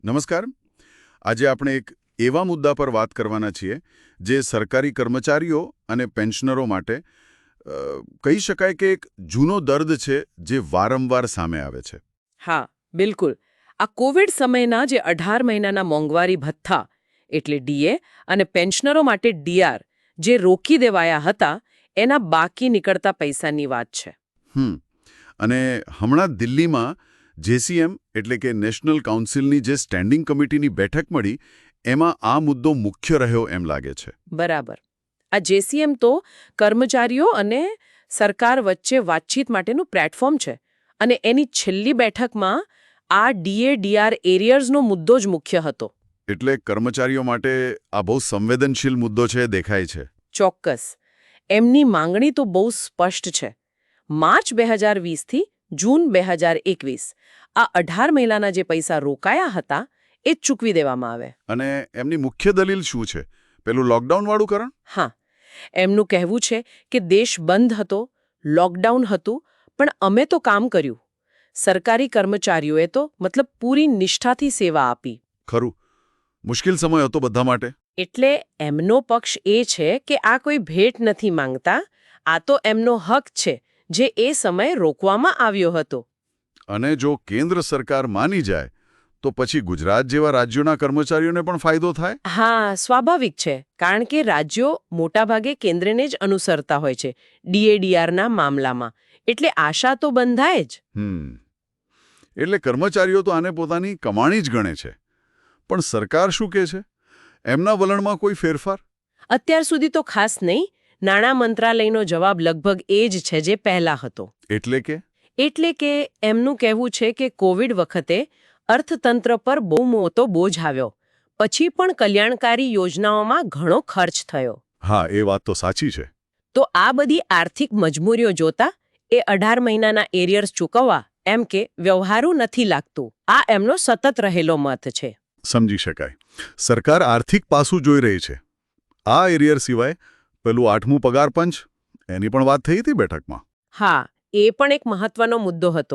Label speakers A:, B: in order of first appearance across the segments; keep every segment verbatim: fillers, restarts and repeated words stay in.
A: નમસ્કાર. આજે આપણે એક એવા મુદ્દા પર વાત કરવાના છીએ જે સરકારી કર્મચારીઓ અને પેન્શનરો માટે અ, કહી શકાય કે એક જૂનો દર્દ છે જે વારંવાર સામે આવે છે.
B: હા, બિલકુલ. આ કોવિડ સમયના જે અઢાર મહિનાના મોંઘવારી ભથ્થા એટલે ડીએ અને પેન્શનરો માટે ડીઆર જે રોકી દેવાયા હતા એના બાકી નીકળતા પૈસાની વાત છે.
A: હમ અને હમણાં દિલ્હીમાં જેસીએમ એટલે કે નેશનલ કાઉન્સિલની જે સ્ટેન્ડિંગ કમિટીની બેઠક મળી એમાં આ મુદ્દો મુખ્ય રહ્યો એમ લાગે છે.
B: બરાબર. આ જેસીએમ તો કર્મચારીઓ અને સરકાર વચ્ચે વાતચીત માટેનું પ્લેટફોર્મ છે અને એની છેલ્લી બેઠકમાં આ ડીએ ડીઆર એરિયર્સનો મુદ્દો જ મુખ્ય હતો.
A: એટલે કર્મચારીઓ માટે આ બહુ સંવેદનશીલ મુદ્દો છે દેખાય છે.
B: ચોક્કસ. એમની માંગણી તો બહુ સ્પષ્ટ છે. માર્ચ બે હજાર વીસથી જૂન બે હજાર એકવીસ આ અઢાર મહિનાના જે પૈસા રોકાયા હતા એ જ ચૂકવી દેવામાં આવે.
A: અને એમની મુખ્ય દલીલ શું છે? પેલું લોકડાઉનવાળું કારણ?
B: હા, એમનું કહેવું છે કે દેશ બંધ હતો, લોકડાઉન હતું, પણ અમે તો કામ કર્યું. સરકારી કર્મચારીઓએ તો મતલબ પૂરી નિષ્ઠાથી સેવા આપી.
A: ખરું. મુશ્કેલ સમય હતો બધા માટે.
B: એટલે એમનો પક્ષ એ છે કે આ કોઈ ભેટ નથી માંગતા, આ તો એમનો હક છે જે એ સમય રોકવામાં આવ્યો હતો.
A: અને જો કેન્દ્ર સરકાર માની જાય તો પછી ગુજરાત જેવા રાજ્યોના કર્મચારીઓને પણ ફાયદો થાય?
B: હા, સ્વાભાવિક છે, કારણ કે રાજ્યો મોટાભાગે કેન્દ્રને જ અનુસરતા હોય છે ડીએડીઆરના મામલામાં. એટલે આશા તો બંધાય જ.
A: હમ એટલે કર્મચારીઓ તો આને પોતાની કમાણી જ ગણે છે. પણ સરકાર શું કહે છે? એમના વલણમાં કોઈ ફેરફાર?
B: અત્યાર સુધી તો ખાસ નહીં. નાણાં મંત્રાલયનો જવાબ લગભગ એ જ છે જે પહેલા હતો.
A: એટલે કે
B: એટલે કે એમનું કહેવું છે કે કોવિડ વખતે અર્થતંત્ર પર બહુ મોટો બોજ આવ્યો. પછી પણ કલ્યાણકારી યોજનાઓમાં ઘણો ખર્ચ થયો.
A: હા, એ વાત તો સાચી છે.
B: તો આ બધી આર્થિક મજબૂરીઓ જોતા એ અઢાર મહિનાના એરિયર્સ ચૂકવવા એમ કે વ્યવહારુ નથી લાગતું. આ એમનો સતત રહેલો મત છે.
A: સમજી શકાય. સરકાર આર્થિક પાસું જોઈ રહી છે. આ એરિયર સિવાય પેલું આઠમું પગાર પંચ એની પણ વાત થઈ હતી બેઠકમાં.
B: હા, એ પણ એક મહત્વનો મુદ્દો હતો.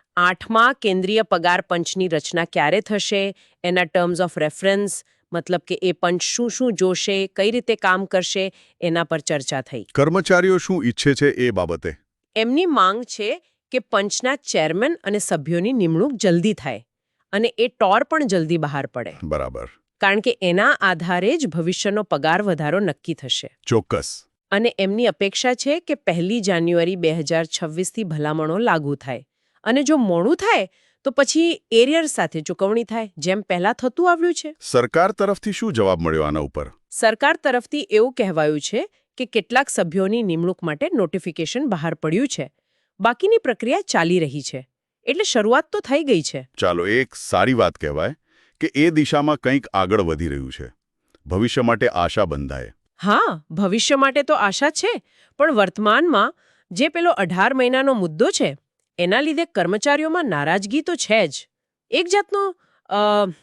B: આઠમા કેન્દ્રીય પગાર પંચની રચના ક્યારે થશે, એના ટર્મ્સ ઓફ રેફરન્સ, મતલબ કે એ પંચ શું શું જોશે, કઈ રીતે કામ કરશે, એના પર ચર્ચા થઈ.
A: કર્મચારીઓ શું ઈચ્છે છે એ બાબતે?
B: એમની માંગ છે કે પંચના ચેરમેન અને સભ્યોની નિમણૂક જલ્દી થાય અને એ ટોર પણ જલ્દી બહાર પડે.
A: બરાબર.
B: કારણ કે એના આધારે જ ભવિષ્યનો પગાર વધારો નક્કી થશે.
A: ચોક્કસ.
B: અને એમની અપેક્ષા છે કે પહેલી જાન્યુઆરી બે હજાર છવ્વીસથી ભલામણો લાગુ થાય. અને જો મોડું થાય તો પછી એરિયર્સ સાથે ચૂકવણી થાય, જેમ પહેલા થતું આવ્યું છે.
A: સરકાર તરફથી શું જવાબ મળ્યો આના ઉપર?
B: સરકાર તરફથી એવું કહેવાયું છે કે કેટલાક સભ્યોની નિમણૂક માટે નોટિફિકેશન બહાર પડ્યું છે. બાકીની પ્રક્રિયા ચાલી રહી છે. એટલે શરૂઆત તો થઈ ગઈ છે.
A: ચાલો, એક સારી વાત કહેવાય કે એ દિશામાં કંઈક આગળ વધી રહ્યું છે. ભવિષ્ય માટે આશા બંધાય.
B: હા, ભવિષ્ય માટે તો આશા છે, પણ વર્તમાનમાં જે પેલો અઢાર મહિનાનો મુદ્દો છે એના લીધે કર્મચારીઓમાં નારાજગી તો છે જ. એક જાતનો અ,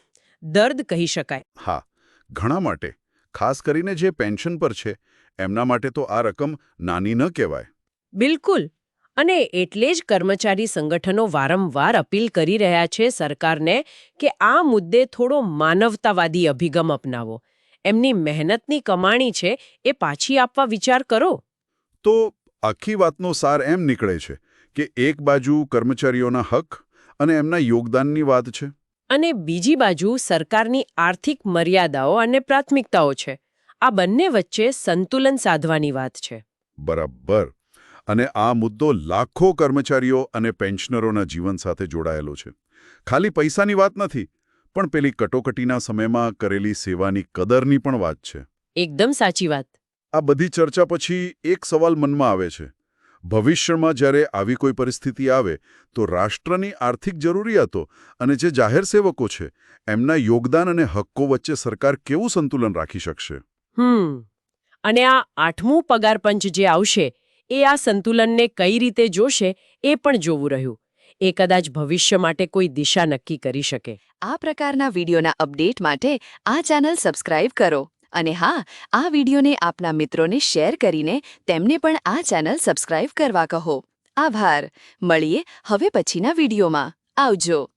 B: દર્દ કહી શકાય.
A: હા, ઘણા માટે, ખાસ કરીને જે પેન્શન પર છે એમના માટે તો આ રકમ નાની ન કહેવાય.
B: બિલકુલ. અને એટલે જ કર્મચારી સંગઠનો વારંવાર અપીલ કરી રહ્યા છે સરકારને કે આ મુદ્દે થોડો માનવતાવાદી અભિગમ અપનાવો. એમની મહેનતની કમાણી છે એ પાછી આપવા વિચાર કરો.
A: તો આખી વાતનો સાર એમ નીકળે છે કે એક બાજુ કર્મચારીઓના હક અને એમના યોગદાનની વાત છે
B: અને બીજી બાજુ સરકારની આર્થિક મર્યાદાઓ અને પ્રાથમિકતાઓ છે. આ બંને વચ્ચે સંતુલન સાધવાની વાત છે.
A: બરાબર. અને આ મુદ્દો લાખો કર્મચારીઓ અને પેન્શનરોના જીવન સાથે જોડાયેલો છે. ખાલી પૈસાની વાત નથી, પણ પેલી કટોકટીના સમયમાં કરેલી સેવાની કદરની પણ વાત છે.
B: એકદમ સાચી વાત.
A: આ બધી ચર્ચા પછી એક સવાલ મનમાં આવે છે. ભવિષ્યમાં જ્યારે આવી કોઈ પરિસ્થિતિ આવે તો રાષ્ટ્રની આર્થિક જરૂરિયાતો અને જે જાહેર સેવકો છે એમના યોગદાન અને હક્કો વચ્ચે સરકાર કેવું સંતુલન રાખી શકશે?
B: હમ અને આ આઠમું પગાર પંચ જે આવશે એ આ સંતુલનને કઈ રીતે જોશે એ પણ જોવું રહ્યું. એ કદાચ ભવિષ્ય માટે કોઈ દિશા નક્કી કરી શકે.
C: આ પ્રકારના વિડીયોના અપડેટ માટે આ ચેનલ સબસ્ક્રાઇબ કરો. અને હા, આ વિડીયોને આપના મિત્રોને શેર કરીને તેમને પણ આ ચેનલ સબસ્ક્રાઇબ કરવા કહો. આભાર. મળીએ હવે પછીના વિડીયોમાં. આવજો.